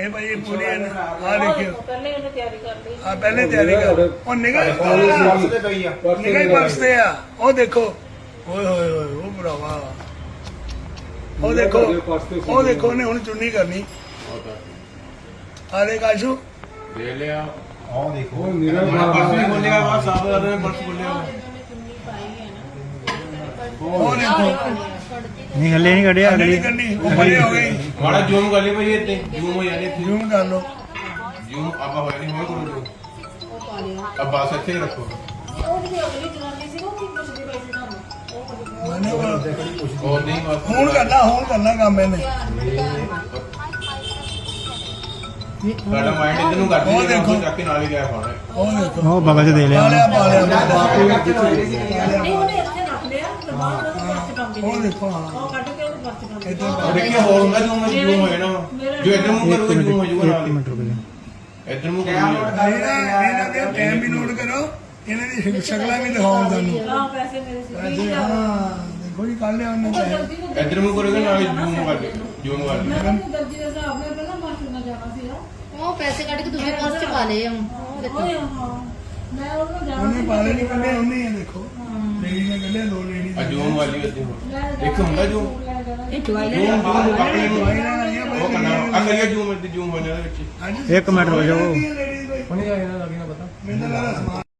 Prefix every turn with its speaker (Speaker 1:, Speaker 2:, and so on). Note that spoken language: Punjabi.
Speaker 1: ਇਹ ਭਾਈ ਪੂਰੀ ਆ ਦੇਖਿਓ
Speaker 2: ਪਹਿਲੇ ਉਹਨੇ ਤਿਆਰੀ ਕਰ ਲਈ।
Speaker 1: ਆ ਪਹਿਲੇ ਤਿਆਰੀ ਕਰ ਉਹ ਨਿਗਾਹ ਹੀ ਬਰਸਦੇ ਆ ਉਹ ਦੇਖੋ ਓਏ ਹੋਏ ਹੋਏ ਉਹ ਭਰਾਵਾ ਉਹ ਦੇਖੋ ਉਹਨੇ ਹੁਣ ਚੁੰਨੀ ਕਰਨੀ ਆ ਦੇ ਕਾਸ਼ੂ
Speaker 3: ਦੇ ਲਿਆ
Speaker 4: ਆਹ ਦੇਖੋ
Speaker 3: ਪਰਸ ਵੀ ਬੋਲਿਆ ਵਾ ਸਾਬ ਦਾ ਪਰਸ ਬੋਲਿਆ
Speaker 1: ਉਹ ਦੇਖੋ
Speaker 5: ਨਹੀਂ ਹੱਲੇ ਨਹੀਂ ਕੱਢਿਆ ਅਗਲੀ
Speaker 1: ਕਰਨੀ ਉਹ ਬੜੇ ਹੋ ਗਈ
Speaker 3: ਮਾੜਾ ਜ਼ੂਮ ਕਰ ਲਈ ਭਾਈ ਇੱਥੇ ਜ਼ੂਮ ਹੋ ਜਾਣੀ ਇੱਥੇ
Speaker 1: ਜ਼ੂਮ ਕਰ ਲਓ
Speaker 3: ਜ਼ੂਮ ਆਪਾਂ ਹੋਇਆ ਨਹੀਂ ਹੋਇਆ ਕਰੋ ਜ਼ੂਮ
Speaker 2: ਉਹ ਪਾ ਲਿਆ।
Speaker 3: अब बस अच्छे ही रखो
Speaker 2: ਉਹ ਜਿਹੜੀ ਅਗਲੀ ਜਨਾਨੀ ਸੀ ਉਹ ਕੀ ਪੁੱਛਦੀ ਪਈ ਸੀ ਤੁਹਾਨੂੰ?
Speaker 3: और नहीं बस
Speaker 1: ਹੁਣ ਕਰਨਾ ਕੰਮ ਇਹਨੇ
Speaker 3: साडा माइंड इधर नु कर
Speaker 1: ਉਹ
Speaker 3: दी
Speaker 1: ਦੇਖੋ।
Speaker 3: जाके के नाल ही गया फोन
Speaker 1: ਉਹ ਦੇਖੋ
Speaker 5: ਉਹ ਬਗਲ ਚ ਦੇ ਲਿਆ
Speaker 1: ਪਾ ਲਿਆ
Speaker 2: ਨਹੀਂ ਉਹਨੇ ਇੱਥੇ ਰੱਖ ਲਿਆ ਤੇ ਬਾਅਦ ਉਹਦੇ ਪਰਸ ਪਾਉਂਦੀ
Speaker 1: ਉਹ ਦੇਖੋ ਹਾਂ
Speaker 2: ਉਹ ਕੱਢ ਕੇ ਉਹਦੇ ਪਰਸ ਪਾਉਂਦੀ।
Speaker 1: ਇੱਧਰ
Speaker 3: देखिए और होगा जूम में जूम हो जाना जो इधर मुंह करोगे जूम हो जाएगा
Speaker 5: ਇੱਕ ਮਿੰਟ ਰੁਕ ਜਾ
Speaker 3: इधर मुंह करोगे
Speaker 1: ਇਹਨਾਂ ਦੇ ਟਾਈਮ ਵੀ ਨੋਟ ਕਰੋ ਇਹਨਾਂ ਦੀ ਸ਼ਕਲਾਂ ਵੀ ਦਿਖਾਓ ਤੁਹਾਨੂੰ
Speaker 2: ਹਾਂ ਪੈਸੇ ਮੇਰੇ ਸੀ
Speaker 1: ਵੈਸੇ ਹਾਂ ਦੇਖੋ ਜੀ ਕੱਢ ਲਿਆ ਉਹਨੇ ਪੈਸੇ
Speaker 3: इधर मुंह करोगे ना जूम कर जूम कर
Speaker 2: ਮੈਂ ਤਾਂ ਦਰਜੀ ਦੇ ਹਿਸਾਬ ਨਾਲ ਪਹਿਲਾਂ ਮਾਸਟਰ ਨਾਲ ਜਾਣਾ ਸੀ
Speaker 6: ਉਹ ਪੈਸੇ ਕੱਢ ਕੇ ਦੂਜੇ ਪਰਸ ਚ ਪਾ ਲਏ ਹੁਣ ਉਹ ਦੇਖੋ
Speaker 2: ਓਏ ਹਾਂ ਮੈਂ ਉਹਨੂੰ ਜਾਣਾ
Speaker 1: ਉਹਨੇ ਪਾਲੇ ਨਹੀਂ ਕੱਢੇ ਉਹਨੇ ਇਹ ਦੇਖੋ ਲੇਡੀ ਨੇ ਕੱਢੇ ਦੋ ਲੇਡੀ
Speaker 3: और जूम वाली होती है देखो होगा जूम
Speaker 2: ਇਹ ਦਵਾਈ ਲੈ
Speaker 3: जूम जूम अपने
Speaker 1: ਦਵਾਈ ਲੈਣ ਆਈ ਆ
Speaker 3: वो करना अगर जूम में जूम होने वाला बच्चे
Speaker 1: ਹਾਂਜੀ
Speaker 5: ਇੱਕ ਮਿੰਟ ਰੁਕ ਜਾਓ
Speaker 1: ਲੇਡੀ ਕੋਈ
Speaker 4: ਹੁਣੇ ਆਇਆ ਨਾ ਲੱਗੀ ਨਾ ਪਤਾ
Speaker 1: ਮੈਨੂੰ ਲੱਗਦਾ ਸਮਾਨ